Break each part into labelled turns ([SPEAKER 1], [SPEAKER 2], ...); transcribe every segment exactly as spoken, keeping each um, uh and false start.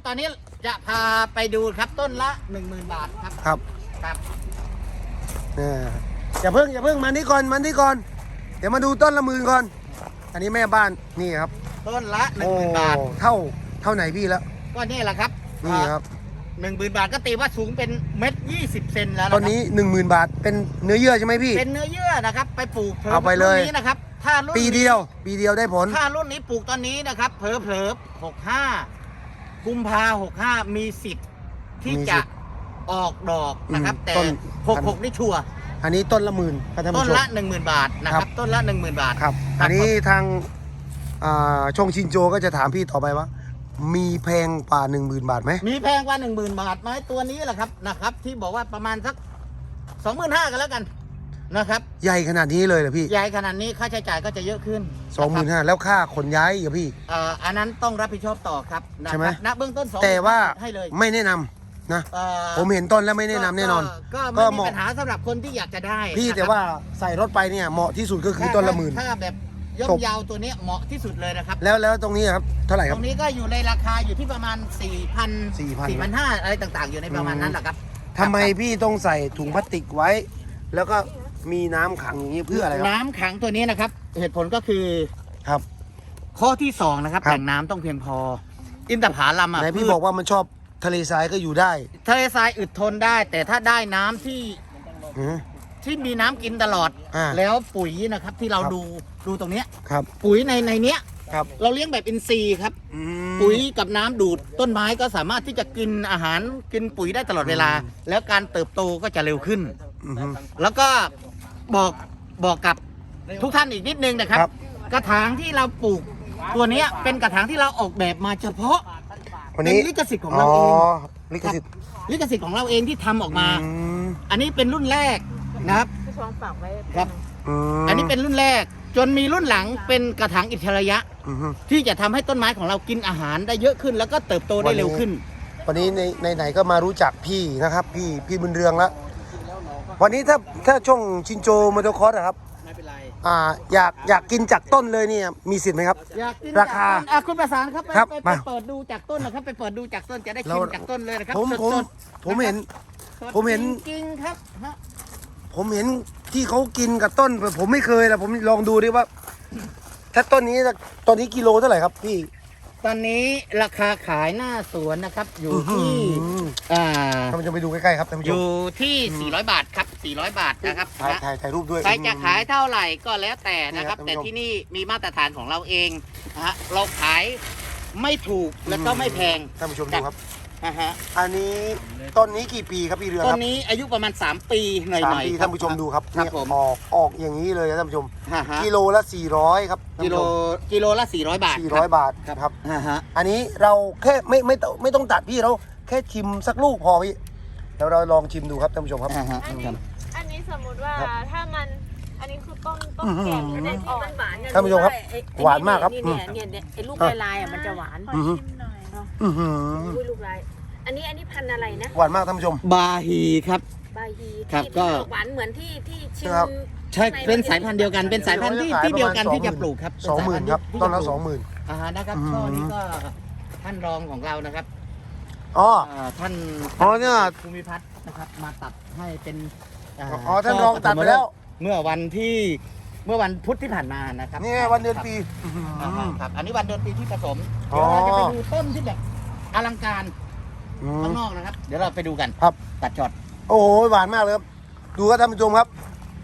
[SPEAKER 1] ตอนนี้จะพาไปดูครับต้นละหนึ่งหมื่นบาทครับ
[SPEAKER 2] ครับ
[SPEAKER 1] ครับ
[SPEAKER 2] เนี่ยอย่าเพิ่งอย่าเพิ่งมานี่ก่อนมานี่ก่อนเดี๋ยวมาดูต้นละหมื่นก่อนอันนี้แม่บ้านนี่ครับ
[SPEAKER 1] ต้นละหนึ่งหมื่นบาท
[SPEAKER 2] เท่าเท่าไหนพี่แล้ว
[SPEAKER 1] ก็นี่แหละครับ
[SPEAKER 2] นี่ครับ
[SPEAKER 1] หนึ่งหมื่นบาทก็ตีว่าสูงเป็นเม็ดยี่สิบเซนแล้ว
[SPEAKER 2] ต้นนี้หนึ่งหมื่นบาทเป็นเนื้อเยื่อใช่ไหมพี่
[SPEAKER 1] เป็นเนื้อเยื่อนะครับไปปลูก
[SPEAKER 2] เอาไปเลย
[SPEAKER 1] นี้นะครับถ้ารุ่น
[SPEAKER 2] ปีเดียวปีเดียวได้ผล
[SPEAKER 1] ถ้ารุ่นนี้ปลูกตอนนี้นะครับเผลอเผลอหกห้ากุมภาหกห้ามีสิทธิ์ที่จะออกดอกนะครับแต่หกหกนี่ชัวร์
[SPEAKER 2] อันนี้ต้นละหมื่น
[SPEAKER 1] ต้นละหนึ่งหมื่นบาทนะครับต้นละหนึ่งหมื่นบาท
[SPEAKER 2] ครับอันนี้ทางช่องชินโจก็จะถามพี่ต่อไปว่ามีแพงกว่าหนึ่งหมื่นบาทไหม
[SPEAKER 1] มีแพงกว่าหนึ่งหมื่นบาทไหมตัวนี้แหละครับนะครับที่บอกว่าประมาณสักสองหมื่นห้ากันแล้วกันนะครับ
[SPEAKER 2] ใหญ่ขนาดนี้เลยเหรอพี่
[SPEAKER 1] ใหญ่ขนาดนี้ค่าใช้จ่ายก็จะเยอะขึ้น
[SPEAKER 2] สองหมื่นห้าแล้วค่าขนย้ายอย่าพี่
[SPEAKER 1] อ่าอันนั้นต้องรับผิดชอบต่อครับ
[SPEAKER 2] ใช่ไหม
[SPEAKER 1] ณเบื้องต้นสอง
[SPEAKER 2] แต่ว่า
[SPEAKER 1] ให้เลย
[SPEAKER 2] ไม่แนะนำนะผมเห็นต้นแล้วไม่แนะนำแน่นอน
[SPEAKER 1] ก็ไม่มีปัญหาสำหรับคนที่อยากจะได้
[SPEAKER 2] พี่แต่ว่าใส่รถไปเนี่ยเหมาะที่สุดก็คือต้นละหมื่น
[SPEAKER 1] ถ้าแบบย่อมยาวตัวนี้เหมาะที่สุดเลยนะครับ
[SPEAKER 2] แล้วแล้วตรงนี้ครับเท่าไหร่ครับ
[SPEAKER 1] ตรงนี้ก็อยู่ในราคาอยู่ที่ประมาณสี่พัน
[SPEAKER 2] สี่พัน
[SPEAKER 1] สี่พันห้าอะไรต่างๆอยู่ในประมาณนั้นแหละครับ
[SPEAKER 2] ทำไมพี่ต้องใส่ถุงพลาสติกไว้ แล้วก็มีน้ำขังอย่างนี้เพื่ออะไรครับ
[SPEAKER 1] น้ำขังตัวนี้นะครับเหตุผลก็คือ
[SPEAKER 2] ครับ
[SPEAKER 1] ข้อที่สองนะครับแหล่งน้ำต้องเพียงพออินทผลัมอ่ะ
[SPEAKER 2] ไหนพี่บอกว่ามันชอบทะเลทรายก็อยู่ได้
[SPEAKER 1] ทะเลทรายอึดทนได้ แต่ถ้าได้น้ำที่ที่มีน้ำกินตลอดแล้วปุ๋ยนะครับที่เราดูดูตรงนี้
[SPEAKER 2] ครับ
[SPEAKER 1] ปุ๋ยในในเนี้ย
[SPEAKER 2] ครับ
[SPEAKER 1] เราเลี้ยงแบบอินทรีย์ครับปุ๋ยกับน้ำดูดต้นไม้ก็สามารถที่จะกินอาหารกินปุ๋ยได้ตลอดเวลาแล้วการเติบโตก็จะเร็วขึ้นแล้วก็บอกบอกกับทุกท่านอีกนิดนึงนะครับกระถางที่เราปลูกตัวนี้เป็นกระถางที่เราออกแบบมาเฉพาะเป็นลิขสิทธิ์ของเราเอง
[SPEAKER 2] ลิขสิทธิ์
[SPEAKER 1] ลิขสิทธิ์ของเราเองที่ทำออกมาอันนี้เป็นรุ่นแรกนะครับครับอันนี้เป็นรุ่นแรกจนมีรุ่นหลังเป็นกระถางอิสระยะที่จะทำให้ต้นไม้ของเรากินอาหารได้เยอะขึ้นแล้วก็เติบโตได้เร็วขึ้น
[SPEAKER 2] วันนี้ในในไหนก็มารู้จักพี่นะครับพี่พี่บุญเรืองแล้ววันนี้ถ้าถ้าช่องชินโจมอเตอร์คอร์สนะครับ
[SPEAKER 1] ไม่เป็นไร
[SPEAKER 2] อ่าอยากอยากกินจากต้นเลยเนี่ยมีสิทธิ์ไหมครับ
[SPEAKER 1] อยากกิน
[SPEAKER 2] ราคา
[SPEAKER 1] อ่ะคุณประสานครับไปไปเปิดดูจากต้นนะครับไปเปิดดูจากต้นจะได้ชิมจากต้นเลยนะครับ
[SPEAKER 2] ผมผมผมเห็นผมเห็น
[SPEAKER 1] จริงครับ
[SPEAKER 2] ผมเห็นที่เขากินกับต้นผมไม่เคยนะผมลองดูดิว่าถ้าต้นนี้ต้นนี้กิโลเท่าไหร่ครับพี่
[SPEAKER 1] ตอนนี้ราคาขายหน้าสวนนะครับอยู่ที่
[SPEAKER 2] อ่าท่านผู้ชมไปดูใกล้ๆครับท่านผู้ชม
[SPEAKER 1] อยู่ที่สี่ร้อยบาทครับสี่ร้อยบาทนะครับ
[SPEAKER 2] ถ่ายถ่ายถ่ายรูปด้วย
[SPEAKER 1] ใครจะขายเท่าไหร่ก็แล้วแต่นะครับแต่ที่นี่มีมาตรฐานของเราเองนะฮะเราขายไม่ถูกแล้วก็ไม่แพง
[SPEAKER 2] ท่านผู้ชมดูครับ
[SPEAKER 1] อ่าฮะ
[SPEAKER 2] อันนี้ต้นนี้กี่ปีครับพี่เรืองครับ
[SPEAKER 1] ต้นนี้อายุประมาณสามปีหน่อยๆ
[SPEAKER 2] สามปีท่านผู้ชมดูครับ
[SPEAKER 1] ครับผม
[SPEAKER 2] ออกออกอย่างนี้เลยท่านผู้ชมกิโลละสี่ร้อยครับ
[SPEAKER 1] กิโลกิโลละสี่ร้อยบาท
[SPEAKER 2] สี่ร้อยบาทครับอันนี้เราแค่ไม่ไม่ไม่ต้องตัดพี่เราแค่ชิมสักลูกพอพี่เดี๋ยวเราลองชิมดูครับท่านผู้ชมครับ
[SPEAKER 3] อันนี้อันนี้สมมุติว่าถ้ามันอันนี้คือต้นต้นแก่หรือต้นอ่อนหวาน
[SPEAKER 2] ท่านผู้ชมครับหวานมากครับ
[SPEAKER 3] เนี่ยเนี่ยเนี่ยไอ้ลูกลายๆอ่ะมันจะหวาน
[SPEAKER 2] อือหือ
[SPEAKER 3] อุ้ยลูกลายอันนี้อันนี้พันอะไรนะ
[SPEAKER 2] หวานมากท่านผู้ชม
[SPEAKER 1] บาฮีครับ
[SPEAKER 3] บาฮี
[SPEAKER 1] ครับก็
[SPEAKER 3] หวานเหมือนที่ที่ชิม
[SPEAKER 1] ใช่เป็นสายพันธุ์เดียวกันเป็นสายพันธุ์ที่ที่เดียวกันที่จะปลูกครับ
[SPEAKER 2] สองหมื่นครับต้นละสองหมื่น
[SPEAKER 1] อ่านะครับช่อนี้ก็ท่านรองของเรานะครับ
[SPEAKER 2] อ๋อ
[SPEAKER 1] ท่าน
[SPEAKER 2] อ๋อเนี่ย
[SPEAKER 1] ภูมิพัฒน์นะครับมาตัดให้เป็น
[SPEAKER 2] อ๋อท่านรองตัดไปแล้ว
[SPEAKER 1] เมื่อวันที่เมื่อวันพุธที่ผ่านมานะครับ
[SPEAKER 2] นี่วันเดือนปี
[SPEAKER 1] ครับอันนี้วันเดือนปีที่ผสมเดี๋ยวเราจะไปดูต้นที่แบบอลังการข้างนอกนะครับเดี๋ยวเราไปดูกัน
[SPEAKER 2] ครับ
[SPEAKER 1] ตัดช็อต
[SPEAKER 2] โอ้โหหวานมากเลยครับดูครับท่านผู้ชมครับ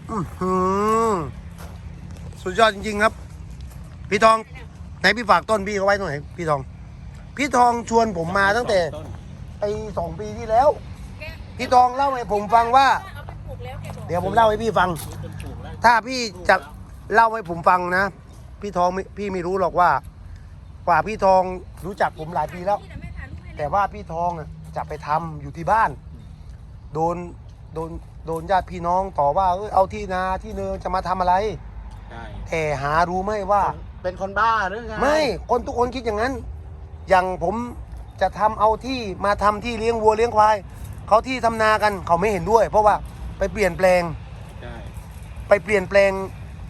[SPEAKER 2] สุดยอดจริงๆครับพี่ทองไหนพี่ฝากต้นพี่เขาไว้ตรงไหนพี่ทองพี่ทองชวนผมมาตั้งแต่ไอ้สองปีที่แล้วพี่ทองเล่าให้ผมฟังว่าเดี๋ยวผมเล่าให้พี่ฟังถ้าพี่จะเล่าให้ผมฟังนะพี่ทองพี่ไม่รู้หรอกว่ากว่าพี่ทองรู้จักผมหลายปีแล้วแต่ว่าพี่ทองจะไปทำอยู่ที่บ้านโดนโดนโดนญาติพี่น้องต่อว่าเออเอาที่นาที่เนินจะมาทำอะไรแต่หารู้ไหมว่า
[SPEAKER 1] เป็นคนบ้าหรือไง
[SPEAKER 2] ไม่คนทุกคนคิดอย่างนั้นอย่างผมจะทำเอาที่มาทำที่เลี้ยงวัวเลี้ยงควายเขาที่ทำนากันเขาไม่เห็นด้วยเพราะว่าไปเปลี่ยนแปลงไปเปลี่ยนแปลง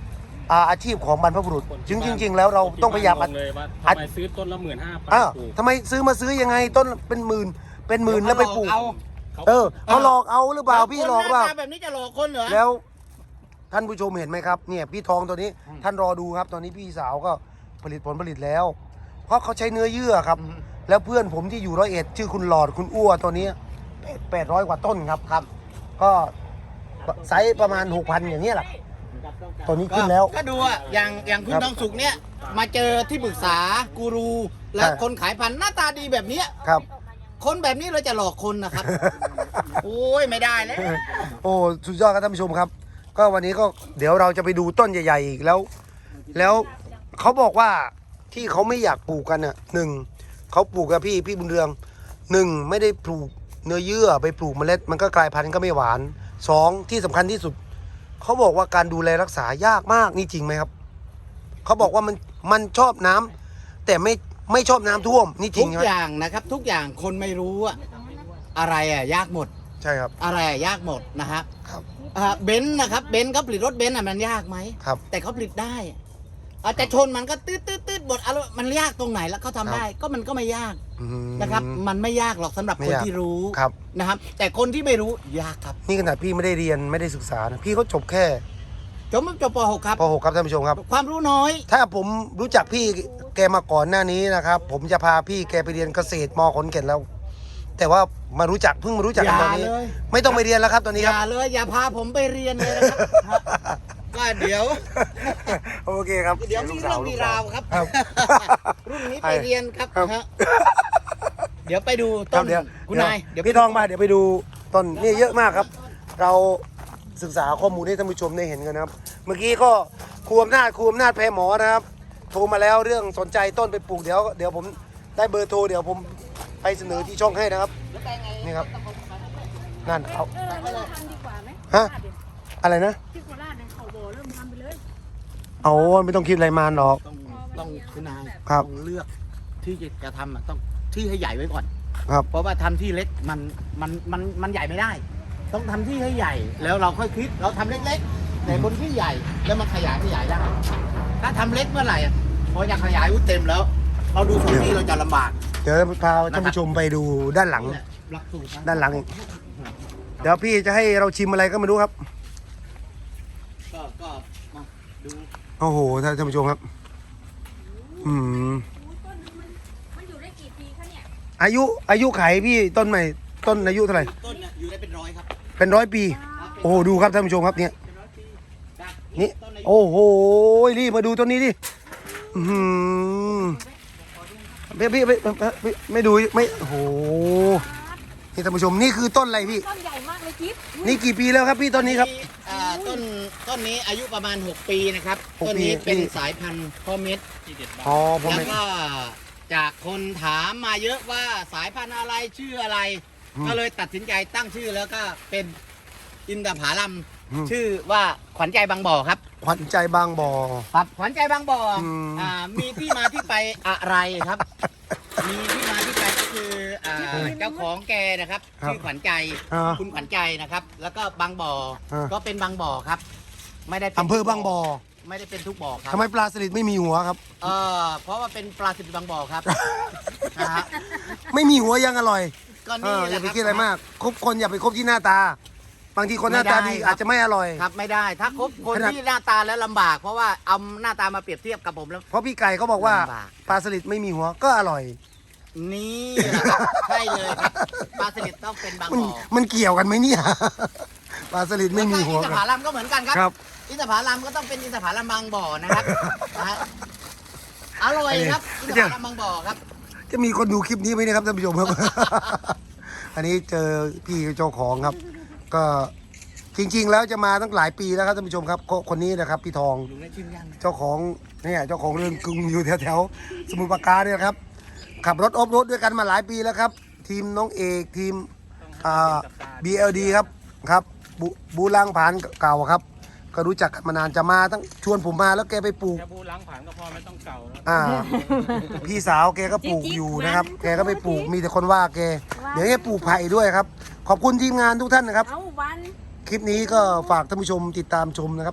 [SPEAKER 2] อ่าอาชีพของบรรพบุรุษจริงจริงๆแล้วเราต้องพยายาม
[SPEAKER 4] คนที่บ้นงงเลยว่าทำไมซื้อต้นละหมื่นห้าพัน
[SPEAKER 2] อ้าว
[SPEAKER 4] ปลูก
[SPEAKER 2] ทำไมซื้อมาซื้อยังไงต้นเป็นหมื่นเป็นหมื่นแล้วไปปลูก
[SPEAKER 1] เอา
[SPEAKER 2] เออเขาหลอกเอาหรือเปล่าพี่หลอกเปล่า
[SPEAKER 1] คนน้าตแบบนี้จะหลอกคนเหรอ
[SPEAKER 2] แล้วท่านผู้ชมเห็นไหมครับเนี่ยพี่ทองตัวนี้ท่านรอดูครับ ตอนนี้พี่สาวก็ผลิตผลผลิตแล้ว เพราะเขาใช้เนื้อเยื่อครับ แล้วเพื่อนผมที่อยู่ร้อยเอ็ดชื่อคุณหลอดคุณอ้วตัวนี้แปดร้อยกว่าต้นครับครับ ก็ไซส์ประมาณหกพันอย่างนี้ยแหละตัวนี้ขึ้นแล้ว
[SPEAKER 1] ก็ดูอ่ะอย่างอย่างคุณ
[SPEAKER 2] ครับ
[SPEAKER 1] ทองสุกเนี่ยมาเจอที่ปรึกษากูรู และ
[SPEAKER 2] ใช่
[SPEAKER 1] คนขายพันธุ์หน้าตาดีแบบเนี้ย
[SPEAKER 2] ครับ
[SPEAKER 1] คนแบบนี้เราจะหลอกคนนะครับ โอ้ยไม่ได้แล้ว
[SPEAKER 2] โอ้สุดยอดครับท่านผู้ชมครับ ก็วันนี้ก็เดี๋ยวเราจะไปดูต้นใหญ่ๆอีกแล้ว แล้วเขาบอกว่าที่เขาไม่อยากปลูกกันน่ะหนึ่งเขาปลูกกับพี่พี่บุญเรืองหนึ่งไม่ได้ปลูกเนื้อเยื่อไปปลูกเมล็ด มันก็กลายพันธุ์ก็ไม่หวานสองที่สำคัญที่สุดเขาบอกว่าการดูแลรักษายากมากนี่จริงไหมครับเขาบอกว่ามันมันชอบน้ำแต่ไม่ไม่ชอบน้ำท่วมนี่จริ
[SPEAKER 1] ทุ
[SPEAKER 2] ง
[SPEAKER 1] ก
[SPEAKER 2] ไหม
[SPEAKER 1] อย่างนะครับ ทุกอย่างคนไม่รู้อะอะไรอะยากหมด
[SPEAKER 2] ใช่ครับ
[SPEAKER 1] อะไรอะยากหมดนะครับ
[SPEAKER 2] ครับ
[SPEAKER 1] อ่าเบนซ์นะครับเบนซ์เขาผลิตรถเบนซ์อะมันยากไหม
[SPEAKER 2] ครับ
[SPEAKER 1] แต่เขาผลิตได้อาจจะชนมันก็ตืดตืดตืดบดอะไรมันยากตรงไหนแล้วเขาทำได้ ก็มันก็ไม่ยาก
[SPEAKER 2] อืม
[SPEAKER 1] นะครับ มันไม่ยากหรอกสำหรับ
[SPEAKER 2] ไม่
[SPEAKER 1] คน
[SPEAKER 2] ยาก
[SPEAKER 1] ที่รู้
[SPEAKER 2] ครับ
[SPEAKER 1] นะครับ แต่คนที่ไม่รู้ยากครับ
[SPEAKER 2] นี่ขนาดพี่ไม่ได้เรียนไม่ได้ศึกษานะพี่เขาจบแค่
[SPEAKER 1] จบจบป .หก ครับ
[SPEAKER 2] ป .หก ครับท่านผู้ชมครับ
[SPEAKER 1] ความรู้น้อย
[SPEAKER 2] ถ้าผมรู้จักพี่แกมาก่อนหน้านี้นะครับ ผมจะพาพี่แกไปเรียนเกษตรมขอนแก่นแล้ว แต่ว่ามารู้จักเพิ่งมารู้จักกันตอนนี้
[SPEAKER 1] อย่าเลย
[SPEAKER 2] ไม่ต้องไปเรียนแล้วครับตอนนี้
[SPEAKER 1] อ
[SPEAKER 2] ครับ
[SPEAKER 1] ย่าเลยอย่าพาผมไปเรียนเลยนะครับ ก็เดี๋ยว
[SPEAKER 2] โอเคครับ
[SPEAKER 1] เดี๋ยวมีเรื่องมีราวครับ
[SPEAKER 2] ครับ
[SPEAKER 1] รุ่นนี้ไปเรียนครับ
[SPEAKER 2] ครับ
[SPEAKER 1] ฮะเดี๋ยวไปดู
[SPEAKER 2] ครั
[SPEAKER 1] ต้
[SPEAKER 2] บ
[SPEAKER 1] น
[SPEAKER 2] เดี๋ยว
[SPEAKER 1] คุณนายเดี๋ยว
[SPEAKER 2] พี่ทองมาเดี๋ยวไปดูต้นนี่เยอะมากครับ เราศึกษาข้อมูลให้ท่านผู้ชมได้เห็นกันนะครับ เมื่อกี้ก็ครูอำนาจครูอำนาจแพรหมอนะครับ โทรมาแล้วเรื่องสนใจต้นไปปลูกเดี๋ยวเดี๋ยวผมได้เบอร์โทรเดี๋ยวผมไปเสนอที่ช่องให้นะครับนี่ครับนั่นเอา
[SPEAKER 5] เออเริ่มทำดีกว่าไหม
[SPEAKER 2] ฮะอะไรนะ
[SPEAKER 5] ที่โคราชเนี่ยเขาโบเริ่มทำไปเลย
[SPEAKER 2] เอาไม่ต้องคิดอะไรมานหรอก
[SPEAKER 1] ต้องต้องคุณนาย
[SPEAKER 2] ครับ
[SPEAKER 1] ต้องเลือกที่จะทำอะต้องที่ให้ใหญ่ไว้ก่อน
[SPEAKER 2] ครับ
[SPEAKER 1] เพราะว่าทำที่เล็กมันมันมันมันใหญ่ไม่ได้ ต้องทำที่ให้ใหญ่ แล้วเราค่อยคิดเราทำเล็กๆแต่บนที่ใหญ่แล้วมันขยายขยายได้ ถ้าทำเล็กเมื่อไหร่อะพออยากขยายอุ้เต็มแล้ว เราดูส่วนที่เราจะลำบาก
[SPEAKER 2] เดี๋ยวพาท่านผู้ชมไปดูด้านหลัง
[SPEAKER 1] หลักสูตรนะ
[SPEAKER 2] ด้านหลังอีกเดี๋ยวพี่จะให้เราชิมอะไรก็ไม่รู้ครับ
[SPEAKER 1] ก็ก็มาดู
[SPEAKER 2] โอ้โหท่านผู้ชมครับ อืม
[SPEAKER 5] ต้นนึงมันมันอยู่ได้กี่ปีคะเนี่ย
[SPEAKER 2] อายุอายุไขพี่ต้นใหม่ต้นอายุเท่าไหร่
[SPEAKER 1] ต้นเนี่ยอยู่ได้เป็นร้อยครับ
[SPEAKER 2] เป็นร้อยปี
[SPEAKER 1] ครับเป็น
[SPEAKER 2] โอ้โหดูครับท่านผู้ชมครับเนี่ย
[SPEAKER 1] เป็นร้อยปีจาก
[SPEAKER 2] นี่
[SPEAKER 1] ต้นอายุ
[SPEAKER 2] โอ้โหรีบมาดูต้นนี้ดิอือหือพี่พี่พี่พี่ไม่ดูไม่โอ้โหนี่ท่านผู้ชมนี่คือต้นอะไรพี่
[SPEAKER 5] ต้นใหญ่มากเลยจิ๊บ
[SPEAKER 2] นี่กี่ปีแล้วครับพี่ต้นนี้ครับ
[SPEAKER 1] อ่าต้นต้นนี้อายุประมาณหกปีนะครับ
[SPEAKER 2] หก
[SPEAKER 1] ต้นนี้
[SPEAKER 2] ปี
[SPEAKER 1] เป็น
[SPEAKER 2] นี่
[SPEAKER 1] สายพันธุ์พ่อเม็ด
[SPEAKER 2] อ๋อผม
[SPEAKER 1] แล้ว
[SPEAKER 2] ไม่
[SPEAKER 1] ก็จากคนถามมาเยอะว่าสายพันธุ์อะไรชื่ออะไร
[SPEAKER 2] อืม
[SPEAKER 1] ก็เลยตัดสินใจตั้งชื่อแล้วก็เป็นอินทผลัม
[SPEAKER 2] อืม
[SPEAKER 1] ชื่อว่าขวัญใจบางบ่อครับ
[SPEAKER 2] ขวัญใจบางบ่อ
[SPEAKER 1] ครับขวัญใจบางบ่ออ
[SPEAKER 2] ม
[SPEAKER 1] อ่ามีที่มาที่ไปอะไรครับ มีที่มาที่ไปก็คืออ่าเจ้าของแกนะครับ
[SPEAKER 2] ครับ
[SPEAKER 1] ชื่อขวัญใจ
[SPEAKER 2] อ่า
[SPEAKER 1] คุณขวัญใจนะครับ แล้วก็บางบ่ออา ก็เป็นบางบ่อครับ ไม่ได้ป็น
[SPEAKER 2] อำเภอบางบ่อ
[SPEAKER 1] ไม่ได้เป็นทุกบ่อครับ
[SPEAKER 2] ทำไมปลาสลิดไม่มีหัวครับ
[SPEAKER 1] เออเพราะว่าเป็นปลาสลิดบางบ่อครับ นะฮะ
[SPEAKER 2] ไม่มีหัวยังอร่อย
[SPEAKER 1] ก็
[SPEAKER 2] เอ
[SPEAKER 1] นี่
[SPEAKER 2] อ
[SPEAKER 1] แห
[SPEAKER 2] อย่า
[SPEAKER 1] ละ
[SPEAKER 2] ไป
[SPEAKER 1] ครับ
[SPEAKER 2] คิดอะไรมากคบคนอย่าไปคบที่หน้าตา บางทีคนหน้าตาดี
[SPEAKER 1] ไม่ได้ครับ
[SPEAKER 2] อาจจะไม่อร่อย
[SPEAKER 1] ครับไม่ได้ ถ้าคบคน
[SPEAKER 2] ขนาด
[SPEAKER 1] ที่หน้าตาแล้วลำบาก เพราะว่าเอาหน้าตามาเปรียบเทียบกับผมแล้ว
[SPEAKER 2] เพราะพี่ไก่เขาบอกว่า
[SPEAKER 1] ลำบาก
[SPEAKER 2] ปลาสลิดไม่มีหัวก็อร่อย
[SPEAKER 1] นี่แหละครับใช่เลยครับปลาสลิดต้องเป็นบาง
[SPEAKER 2] มัน
[SPEAKER 1] บ่อ
[SPEAKER 2] มันเกี่ยวกันไหมเนี่ย ปลาสลิดไม่มีหัว
[SPEAKER 1] แล้วก็อินทผลัมก็เหมือนกันครับ
[SPEAKER 2] ครับ
[SPEAKER 1] อินทผลัมก็ต้องเป็นอินทผลัมบางบ่อนะครับ นะฮะอร่อยครับอินทผลัมบางบ่อครับ
[SPEAKER 2] จะมีคนดูคลิปนี้ไหมเนะครับท่านผู้ชมครับ อันนี้เจอพี่เจ้าของครับ ก็จริง ๆ แล้วจะมาตั้งหลายปีแล้วครับท่านผู้ชมครับก็คนนี้นะครับพี่ทอง
[SPEAKER 1] ลุงได้ชิมยัง
[SPEAKER 2] เจ้าของเนี่ยเจ้าของเรือนกรุงอยู่แถวๆสมุทรปราการเนี่ยครับ ขับรถออฟโรดด้วยกันมาหลายปีแล้วครับ ทีมน้องเอกทีมอ่า บี แอล ดี ครับครับบูบูลังผานเก่าครับ ก็รู้จักกันมานานจะมาตั้งชวนผมมาแล้วแกไปปลูก
[SPEAKER 4] แค่พูดล้างผ่านก็พอไม่ต้องเก่าแล้ว
[SPEAKER 2] อ่า พี่สาวแกก็ปลูกอยู่นะครับ แกก็ไปปลูกมีแต่คนว่าแก เดี๋ยวแกปลูกไผ่ด้วยครับ ขอบคุณทีมงานทุกท่านนะครับ
[SPEAKER 5] เอาวัน
[SPEAKER 2] คลิปนี้ก็ฝากท่านผู้ชมติดตามชมนะครับ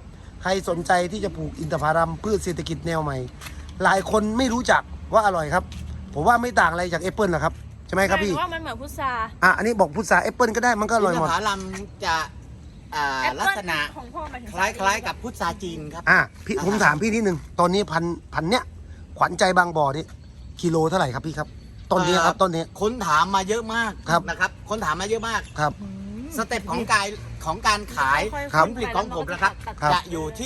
[SPEAKER 2] ใครสนใจที่จะปลูกอินทผลัมพืชเศรษฐกิจแนวใหม่ หลายคนไม่รู้จักว่าอร่อยครับ ผมว่าไม่ต่างอะไรจากแอปเปิลนะครับใช่ไหมครับพี่
[SPEAKER 3] ว่ามันเหมือนพุทรา
[SPEAKER 2] อ่ะอันนี้บอกพุทราแอปเปิลก็ได้มันก็อร่อย
[SPEAKER 1] อิน
[SPEAKER 2] ห
[SPEAKER 1] ท
[SPEAKER 2] มด
[SPEAKER 1] ผลัมจะอ่า
[SPEAKER 3] แอปเปิ้ล
[SPEAKER 1] ลักษณะ
[SPEAKER 3] ของพ่อหมายถึง
[SPEAKER 1] คล้ายๆกับพุทราจีนครับ
[SPEAKER 2] อ่ะพี่ผมถามพี่นิดนึงตอนนี้พันพันเนี้ยขวัญใจบางบ่อนี่กิโลเท่าไหร่ครับพี่ครับต้นนี้ครับต้นนี้
[SPEAKER 1] คนถามมาเยอะมาก
[SPEAKER 2] ครับ
[SPEAKER 1] นะครับ คนถามมาเยอะมาก
[SPEAKER 2] ครับ
[SPEAKER 1] สเต็ปของการของการขาย
[SPEAKER 2] ครั
[SPEAKER 1] ผ
[SPEAKER 2] บ
[SPEAKER 1] ลผลิตของผมนะครับ
[SPEAKER 2] ครับ
[SPEAKER 1] จะอยู่ที่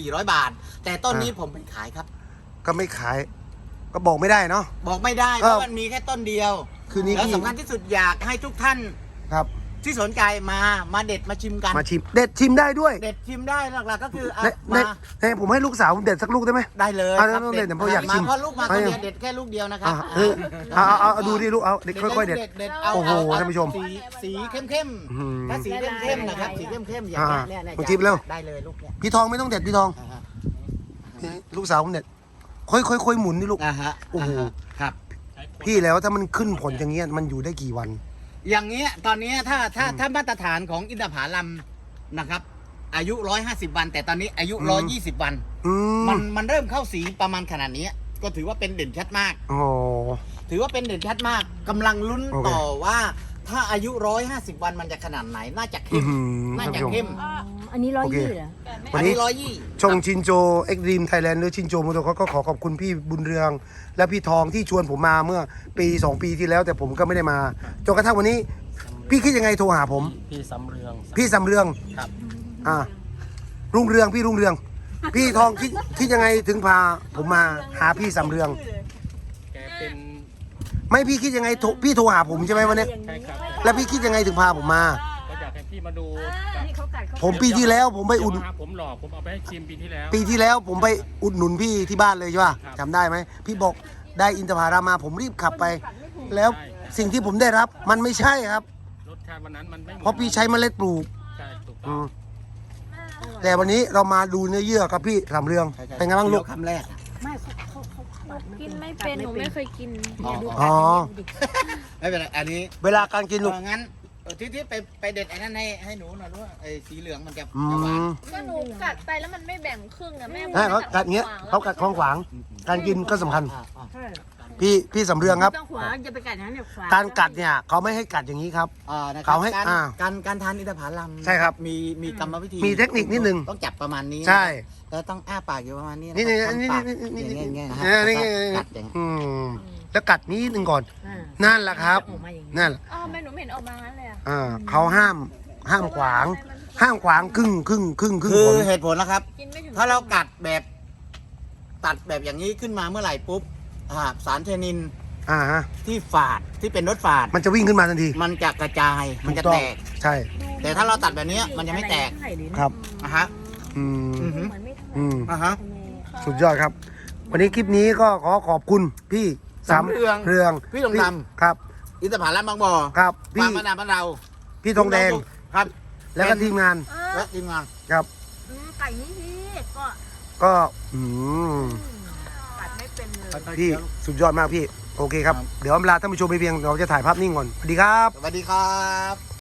[SPEAKER 1] สี่ร้อย บาท แต่ต้นนี้ผมไม่ขายครับ
[SPEAKER 2] ก็ไม่ขาย ก็บอกไม่ได้เนาะ
[SPEAKER 1] บอกไม่ได้
[SPEAKER 2] ค
[SPEAKER 1] เพ
[SPEAKER 2] รับ
[SPEAKER 1] ราะมันมีแค่ต้นเดียว
[SPEAKER 2] คือนี้
[SPEAKER 1] แล้ว
[SPEAKER 2] พี่
[SPEAKER 1] สำคัญที่สุดอยากให้ทุกท่าน
[SPEAKER 2] ครับ
[SPEAKER 1] ที่สนใจมามาเด็ดมาชิมกัน
[SPEAKER 2] มาชิมเด็ดชิมได้ด้วย
[SPEAKER 1] เด็ดชิมได้หลักๆก็คืออ่ะ
[SPEAKER 2] ในใน
[SPEAKER 1] มา
[SPEAKER 2] ในผมให้ลูกสาวผมเด็ดสักลูกได้ไหม
[SPEAKER 1] ได้เลย
[SPEAKER 2] อ่ะ
[SPEAKER 1] ครับ
[SPEAKER 2] ต้องเด็ดเดี๋ยวผมอยาก
[SPEAKER 1] มา
[SPEAKER 2] ชิม
[SPEAKER 1] เพราะลูกมาคนเดียว
[SPEAKER 2] เอา
[SPEAKER 1] เด็ดแค่ลูกเดียวนะครั
[SPEAKER 2] อ่ะ
[SPEAKER 1] บ
[SPEAKER 2] เออเอาเอาเอาเอาดูดิลูกเอาเด็ดค่อยๆเด็ด
[SPEAKER 1] เด็ดเอา
[SPEAKER 2] โอ้โห
[SPEAKER 1] เอ
[SPEAKER 2] ท่านผู้ชม
[SPEAKER 1] สีสีเข้ม
[SPEAKER 2] อืม
[SPEAKER 1] ๆถ้าสีเข้มๆนะครับสีเข้มๆอย่าง
[SPEAKER 2] อ่า
[SPEAKER 1] เนี้ยเนี่ย
[SPEAKER 2] มาจิ้มเร็ว
[SPEAKER 1] ได้เลยลูกเนี่ย
[SPEAKER 2] พี่ทองไม่ต้องเด็ดพี่ทอง
[SPEAKER 1] อ่าฮะ
[SPEAKER 2] ลูกสาวผมเด็ดค่อยค่อยค่อยหมุนนี่ลูก
[SPEAKER 1] อ่าฮะ
[SPEAKER 2] โอ้โห
[SPEAKER 1] าฮะครับ
[SPEAKER 2] พี่แล้วถ้ามันขึ้นผลอย่างเงี้ยมันอยู่ได้กี่วัน
[SPEAKER 1] อย่างเงี้ยตอนเนี้ยถ้าถ้าถ้ามาตรฐานของอินทผลัมนะครับ อายุร้อยห้าสิบวัน แต่ตอนนี้อายุ
[SPEAKER 2] อืม
[SPEAKER 1] ร้อยยี่สิบวัน
[SPEAKER 2] อืม
[SPEAKER 1] มันมันเริ่มเข้าสีประมาณขนาดนี้ ก็ถือว่าเป็นเด่นชัดมาก
[SPEAKER 2] โอ้
[SPEAKER 1] ถือว่าเป็นเด่นชัดมากกำลังลุ้น
[SPEAKER 2] โอเค
[SPEAKER 1] ต่อว่าถ้าอายุร้อยห้าสิบวันมันจะขนาดไหน น่าจะ
[SPEAKER 2] อื้
[SPEAKER 1] เข้
[SPEAKER 2] อ
[SPEAKER 1] ม
[SPEAKER 2] หือ
[SPEAKER 1] น่า
[SPEAKER 2] ท่าน
[SPEAKER 1] จะ
[SPEAKER 2] ผู้ชม
[SPEAKER 1] เข้ม
[SPEAKER 5] อันนี้ร้อย
[SPEAKER 2] โอเค
[SPEAKER 5] ยี่เหรอ
[SPEAKER 2] วั
[SPEAKER 1] อั
[SPEAKER 2] น
[SPEAKER 1] น
[SPEAKER 2] นี้
[SPEAKER 1] นี้ร้อยยี่
[SPEAKER 2] ชงชินโจเอ็กดีมไทยแลนด์หรือชินโจมอเตอร์ก็ขอขอบคุณพี่บุญเรือง และพี่ทองที่ชวนผมมาเมื่อปีสองปีที่แล้ว แต่ผมก็ไม่ได้มาจนกระทั่งวันนี้ พี่คิดยังไงโทรหาผม
[SPEAKER 4] พี่สำเรือง
[SPEAKER 2] พี่สำเรือง
[SPEAKER 4] ครับ
[SPEAKER 2] อ่ารุ่งเรืองพี่รุ่งเรือง พี่ทองคิดคิดยังไงถึงพาผมมาหาพี่สำเรือง
[SPEAKER 4] แกเป็น
[SPEAKER 2] ไม่พี่คิดยังไงโทรพี่โทรหาผมใช่ไหมวันนี้
[SPEAKER 4] ใช่ครับ
[SPEAKER 2] แล้วพี่คิดยังไงถึงพาผมมา
[SPEAKER 4] ก็อยากให้พี่มาดู
[SPEAKER 5] นี่เขากัดเขา
[SPEAKER 2] ผมปีที่แล้วผมไปอุ่น
[SPEAKER 4] เดี๋ยวมาหาผมหลอกผมเอาไปให้ชิมปีที่แล้ว
[SPEAKER 2] ปีที่แล้วผมไปอุดหนุนพี่ที่บ้านเลยใช่ป่ะ
[SPEAKER 4] ครับ
[SPEAKER 2] จำได้ไหมพี่บอกได้อินทผลัมมาผมรีบขับไป แล้วสิ่งที่ผมได้รับมันไม่ใช่ครับ
[SPEAKER 4] รสชาติวันนั้นมันไม่หมือน
[SPEAKER 2] เพราะพี่ใช้เมล็ดปลูก
[SPEAKER 4] ใช่ถูกต้
[SPEAKER 2] อื
[SPEAKER 4] อง
[SPEAKER 2] มแต่วันนี้เรามาดูเนื้อเยื่อกับพี่สำเรืองเป็นไงบ้างลูก
[SPEAKER 1] คำแรก
[SPEAKER 5] ไม่เขาเขาเขาเขา
[SPEAKER 3] กินไม่เป็นหนูไม่เคยกิน
[SPEAKER 1] อ๋อ
[SPEAKER 2] อ๋อ
[SPEAKER 1] ไม่เป็นไรอันนี้
[SPEAKER 2] เวลาการกินลูก
[SPEAKER 1] เอองั้นเออที่ที่ไปไปเด็ดไอ้นั่นให้ให้หนูหน่อยด้วยไอ้สีเหลืองมันจะ
[SPEAKER 2] อื
[SPEAKER 1] จะหวาน
[SPEAKER 2] ม
[SPEAKER 3] ก็หนูกัดไปแล้วมันไม่แบ่งครึ่งอะแม่
[SPEAKER 2] ใช่เขากัดเงี้ยเขากัดคลองขวาง การกินก็สำคัญ
[SPEAKER 1] อ่าอ่า
[SPEAKER 5] ใช่
[SPEAKER 2] พี่พี่สำเรืองครับ
[SPEAKER 5] ต้องขวาจะไปกัดอย่างนั้นเนี่ยขวา
[SPEAKER 2] การกัดเนี่ยเขาไม่ให้กัดอย่างนี้ครับ
[SPEAKER 1] อ่านะครั
[SPEAKER 2] เขาให้
[SPEAKER 1] การ
[SPEAKER 2] อ่า
[SPEAKER 1] การการทานอินทผลัม
[SPEAKER 2] ใช่ครับ
[SPEAKER 1] มีมีกรรมวิธี
[SPEAKER 2] มีเทคนิคนิดนึง
[SPEAKER 1] ต้องจับประมาณนี้
[SPEAKER 2] ใช่
[SPEAKER 1] แล้วต้องอ้าปากอยู่ประมาณนี้ะ
[SPEAKER 2] นี่นี่
[SPEAKER 1] ครับ
[SPEAKER 2] นี่
[SPEAKER 1] ทำปาก
[SPEAKER 2] นี่นี่นี่
[SPEAKER 1] อย่างเงี้ยๆนะฮะ
[SPEAKER 2] นี่นี่
[SPEAKER 1] แล้ว
[SPEAKER 2] นี่
[SPEAKER 1] ก็กัดอย่าง
[SPEAKER 2] อืมแล้วกัดนิดนึงก่อน
[SPEAKER 5] อ่า
[SPEAKER 2] นั่นแหละครับ
[SPEAKER 5] ออกมาอย่างนี้
[SPEAKER 2] นั่นแหละ
[SPEAKER 3] อ๋อแม่หนูไม่เห็นออกมางั้นเลยอะ
[SPEAKER 2] อ่าเขาห้ามห้ามขวาง ห้ามขวางครึ่งครึ่งครึ่งครึ่ง
[SPEAKER 1] คือ
[SPEAKER 2] ผล
[SPEAKER 1] เหตุผลนะครับ
[SPEAKER 3] กินไม่ถึง
[SPEAKER 1] ถ้าเรากัดแบบตัดแบบอย่างนี้ขึ้นมาเมื่อไหร่ปุ๊บอ่าสารเทนิน
[SPEAKER 2] อ่าฮะ
[SPEAKER 1] ที่ฝาดที่เป็นรสฝาด
[SPEAKER 2] มันจะวิ่งขึ้นมาทันที
[SPEAKER 1] มันจะกระจายมันจะ
[SPEAKER 2] ถู
[SPEAKER 1] แต
[SPEAKER 2] อง
[SPEAKER 1] ก
[SPEAKER 2] ใช่
[SPEAKER 1] แต่ถ้าเราตัดแบบเนี้ยมันจะไม่แตก
[SPEAKER 2] ครับ
[SPEAKER 1] นะฮะ
[SPEAKER 2] อืม
[SPEAKER 1] อือหือ
[SPEAKER 5] เหมือนไม่ทำ
[SPEAKER 2] อืม
[SPEAKER 1] อ่าฮะ
[SPEAKER 2] สุดยอดครับ วันนี้คลิปนี้ก็ขอขอบคุณพี่
[SPEAKER 1] สำเรือง
[SPEAKER 2] เรือง
[SPEAKER 1] พี่ทองดำ
[SPEAKER 2] ครับ
[SPEAKER 1] อินทผลัมบางบ่อ
[SPEAKER 2] ครับ
[SPEAKER 1] ฟา
[SPEAKER 2] พี่
[SPEAKER 1] ร์มมะนาวบ้านเรา
[SPEAKER 2] พี่ทองแดง
[SPEAKER 1] ครับ
[SPEAKER 2] แล้วก็ทีมงาน
[SPEAKER 1] และทีมงาน
[SPEAKER 2] ครับ
[SPEAKER 5] อืมไก่นี่พี่ก็
[SPEAKER 2] ก็อืม
[SPEAKER 5] กัดไม่เป็นเลย
[SPEAKER 2] พี่สุดยอดมากพี่ โอเคครับ เดี๋ยวลาท่านผู้ชมไปเพียงเราจะถ่ายภาพนิ่งก่อน สวัสดีครับ
[SPEAKER 1] สวัสดีครับ